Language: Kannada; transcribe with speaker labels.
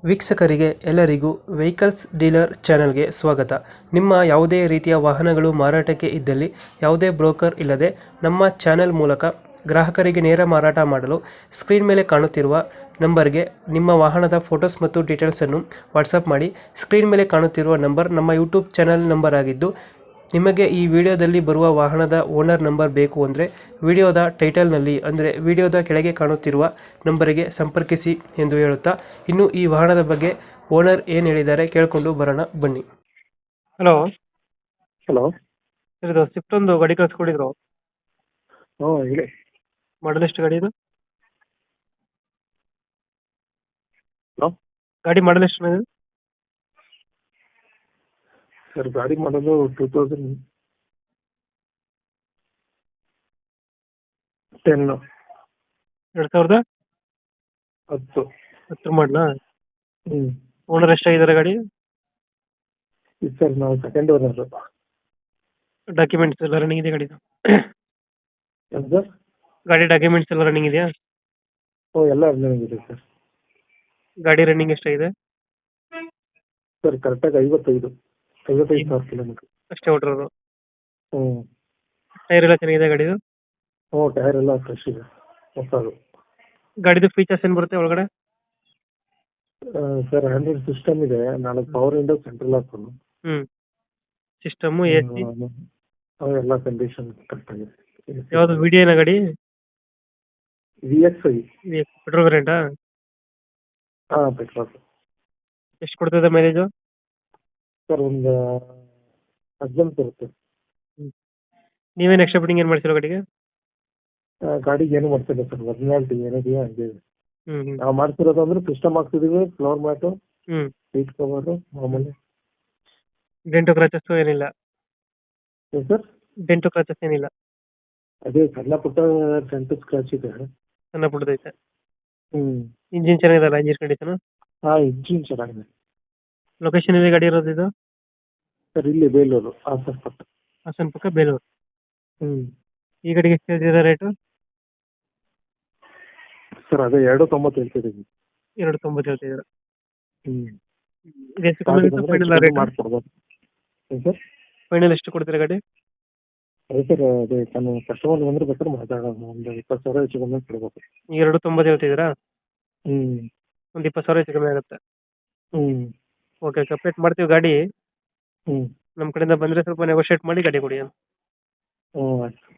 Speaker 1: ವೀಕ್ಷಕರಿಗೆ ಎಲ್ಲರಿಗೂ ವೆಹಿಕಲ್ಸ್ ಡೀಲರ್ ಚಾನೆಲ್ಗೆ ಸ್ವಾಗತ. ನಿಮ್ಮ ಯಾವುದೇ ರೀತಿಯ ವಾಹನಗಳು ಮಾರಾಟಕ್ಕೆ ಇದ್ದಲ್ಲಿ ಯಾವುದೇ ಬ್ರೋಕರ್ ಇಲ್ಲದೆ ನಮ್ಮ ಚಾನೆಲ್ ಮೂಲಕ ಗ್ರಾಹಕರಿಗೆ ನೇರ ಮಾರಾಟ ಮಾಡಲು ಸ್ಕ್ರೀನ್ ಮೇಲೆ ಕಾಣುತ್ತಿರುವ ನಂಬರ್ಗೆ ನಿಮ್ಮ ವಾಹನದ ಫೋಟೋಸ್ ಮತ್ತು ಡೀಟೇಲ್ಸನ್ನು ವಾಟ್ಸಪ್ ಮಾಡಿ. ಸ್ಕ್ರೀನ್ ಮೇಲೆ ಕಾಣುತ್ತಿರುವ ನಂಬರ್ ನಮ್ಮ ಯೂಟ್ಯೂಬ್ ಚಾನೆಲ್ ನಂಬರ್ ಆಗಿದ್ದು, ನಿಮಗೆ ಈ ವಿಡಿಯೋದಲ್ಲಿ ಬರುವ ವಾಹನದ ಓನರ್ ನಂಬರ್ ಬೇಕು ಅಂದರೆ ವಿಡಿಯೋದ ಟೈಟಲ್ನಲ್ಲಿ ಅಂದರೆ ವಿಡಿಯೋದ ಕೆಳಗೆ ಕಾಣುತ್ತಿರುವ ನಂಬರಿಗೆ ಸಂಪರ್ಕಿಸಿ ಎಂದು ಹೇಳುತ್ತಾ, ಇನ್ನು ಈ ವಾಹನದ ಬಗ್ಗೆ ಓನರ್ ಏನು ಹೇಳಿದ್ದಾರೆ ಕೇಳಿಕೊಂಡು ಬರೋಣ ಬನ್ನಿ. Hello
Speaker 2: hello.
Speaker 1: ಸರ್, ಇದು ಸ್ವಿಫ್ಟ್ ಒಂದು ಗಾಡಿ ಕಳಿಸ್ಕೊಡಿದ್ರು,
Speaker 2: ಹ್ಞೂ ಹೇಳಿ.
Speaker 1: ಮಾಡಲ್ ಎಷ್ಟು ಗಾಡಿ ಇದು?
Speaker 2: ಹಲೋ
Speaker 1: ಗಾಡಿ ಮಾಡಲ್ ಎಷ್ಟು ಇದು?
Speaker 2: ಸರ್, ಗಾಡಿ ಮಾಡೋದು 2010.
Speaker 1: 2010 10 ಮಾಡಲಾ? ಓನರ್ ಎಷ್ಟಾಗಿದ್ದಾರೆ ಗಾಡಿ?
Speaker 2: ಇದು ಸರ್ ನಾವು ಸೆಕೆಂಡ್ ಓನರ್.
Speaker 1: ಡಾಕ್ಯುಮೆಂಟ್ಸ್ ಎಲ್ಲ ರನ್ನಿಂಗ್ ಇದೆ ಗಾಡಿದು?
Speaker 2: ಏನು ಸರ್?
Speaker 1: ಗಾಡಿ ಡಾಕ್ಯುಮೆಂಟ್ಸ್ ಎಲ್ಲ ರನ್ನಿಂಗ್ ಇದೆಯಾ?
Speaker 2: ಎಲ್ಲ ಇದೆ ಸರ್.
Speaker 1: ಗಾಡಿ ರನ್ನಿಂಗ್ ಎಷ್ಟಾಗಿದೆ?
Speaker 2: ಸರ್ ಕರೆಕ್ಟಾಗಿ 55 ಸಾವಿರ ಕಿಲೋಮೀಟ್ರ್
Speaker 1: ಅಷ್ಟೇ ಹೊಟ್ಟಿರೋದು.
Speaker 2: ಹ್ಞೂ
Speaker 1: ಟೈರ್ ಎಲ್ಲ ಚೆನ್ನಾಗಿದೆ ಗಾಡಿದು?
Speaker 2: ಟೈರ್ ಎಲ್ಲ ಫ್ರೆಶ್ ಇದೆ, ಹೊಸದು.
Speaker 1: ಗಾಡಿದು ಫೀಚರ್ಸ್ ಏನು ಬರುತ್ತೆ ಒಳಗಡೆ?
Speaker 2: ಸರ್ ಆಂಡ್ರಾಯ್ಡ್ ಸಿಸ್ಟಮ್ ಇದೆ, 4 power window, central lock.
Speaker 1: System, AC
Speaker 2: ಎಲ್ಲ ಕಂಡೀಷನ್ ಕರೆಕ್ಟಾಗಿದೆ.
Speaker 1: ಯಾವುದು ವಿಡಿಯೋ ಏನೋ ಗಾಡಿ?
Speaker 2: VXi.
Speaker 1: ಪೆಟ್ರೋಲ್ ವೇರಿಯಂಟಾ?
Speaker 2: ಪೆಟ್ರೋಲ್.
Speaker 1: ಎಷ್ಟು ಕೊಡ್ತದೆ ಮೈಲೇಜು?
Speaker 2: ಸರ್ ಒಂದು 18 ಬರುತ್ತೆ.
Speaker 1: ನೀವೇನು ಎಕ್ಸ್ಟ್ರಾ ಫಿಟ್ಟಿಂಗ್ ಏನು ಮಾಡ್ಸಿರೋ ಗಾಡಿಗೆ?
Speaker 2: ಗಾಡಿಗೆ ಏನು ಮಾಡ್ತಿಲ್ಲ ಸರ್, ಒರಿಜಿನಾಲಿಟಿ ಏನಿದೆಯೋ ಹಂಗೆ ಇದೆ.
Speaker 1: ಹ್ಮ್
Speaker 2: ನಾವು ಮಾಡ್ತಿರೋದು ಅಂದ್ರೆ ಸಿಸ್ಟಮ್ ಹಾಕ್ತಿದೀವಿ, ಫ್ಲೋರ್ ಮ್ಯಾಟು,
Speaker 1: ಹ್ಮ್
Speaker 2: ಸೀಟ್ ಕವರು ಮಾಮೂಲಿ.
Speaker 1: ಡೆಂಟು ಕ್ರಾಚಸ್ ಏನಿಲ್ಲ?
Speaker 2: ಏನು ಸರ್?
Speaker 1: ಡೆಂಟು ಕ್ರಾಚಸ್ ಏನಿಲ್ಲ?
Speaker 2: ಅದೇ ಸಣ್ಣ ಪುಟ್ಟ ಸೆಂಟ್ ಸ್ಕ್ರಾಚ್ ಇದೆ.
Speaker 1: ಸಣ್ಣ ಪುಟ್ಟದೈತೆ.
Speaker 2: ಹ್ಮ್
Speaker 1: ಇಂಜಿನ್ ಚೆನ್ನಾಗಿದಲ್ಲ? Engine condition?
Speaker 2: ಇಂಜಿನ್ ಚೆನ್ನಾಗಿದೆ.
Speaker 1: ಲೊಕೇಶನ್ ಇದೆ ಗಾಡಿ ಇರೋದು ಇದು?
Speaker 2: ಸರ್ ಇಲ್ಲಿ ಬೇಲೂರು, ಹಾಸನ ಪಕ್ಕ.
Speaker 1: ಹಾಸನ ಪಕ್ಕ ಬೇಲೂರು.
Speaker 2: ಹ್ಮ್
Speaker 1: ಈ ಗಾಡಿಗೆ ಎಷ್ಟು ಹೇಳ್ತಿದ್ದೀರಾ ರೇಟು?
Speaker 2: ಸರ್ ಅದೇ 2.90 ಹೇಳ್ತಿದ್ದೀವಿ.
Speaker 1: 2.90 ಹೇಳ್ತಿದ್ದೀರಾ?
Speaker 2: ಹ್ಮ್
Speaker 1: ಇದು ಎಷ್ಟು ಕಮ್ಮಿ ಆಗುತ್ತೆ ಫೈನಲ್ ರೇಟ್?
Speaker 2: ಮಾಡ್ಕೊಡ್ಬೋದು. ಏನು ಸರ್?
Speaker 1: ಫೈನಲ್ ಎಷ್ಟು ಕೊಡ್ತೀರಾ ಗಾಡಿ?
Speaker 2: ಅದೇ ಸರ್, ಅದೇ ನಾನು ಕಸ್ಟಮರ್ ಬಂದ್ರೆ ಬೇಕಾದ್ರೆ ಮಾತಾಡೋಣ, ಒಂದು 20,000 ಹೆಚ್ಚು ಕಮ್ಮಿ ಕೊಡ್ಬೇಕು.
Speaker 1: 2.90 ಹೇಳ್ತಿದ್ದೀರಾ?
Speaker 2: ಹ್ಮ್
Speaker 1: ಒಂದು 20,000 ಹೆಚ್ಚು ಕಮ್ಮಿ ಆಗುತ್ತೆ.
Speaker 2: ಹ್ಮ್
Speaker 1: ಓಕೆ, ಕಂಪ್ಲೀಟ್ ಮಾಡ್ತೀವಿ ಗಾಡಿ.
Speaker 2: ಹ್ಮ್
Speaker 1: ನಮ್ಮ ಕಡೆಯಿಂದ ಬಂದರೆ ಸ್ವಲ್ಪ ನೆಗೋಷಿಯೇಟ್ ಮಾಡಿ ಗಾಡಿ ಕೊಡಿ.
Speaker 2: ಹ್ಞೂ ಆಯ್ತು.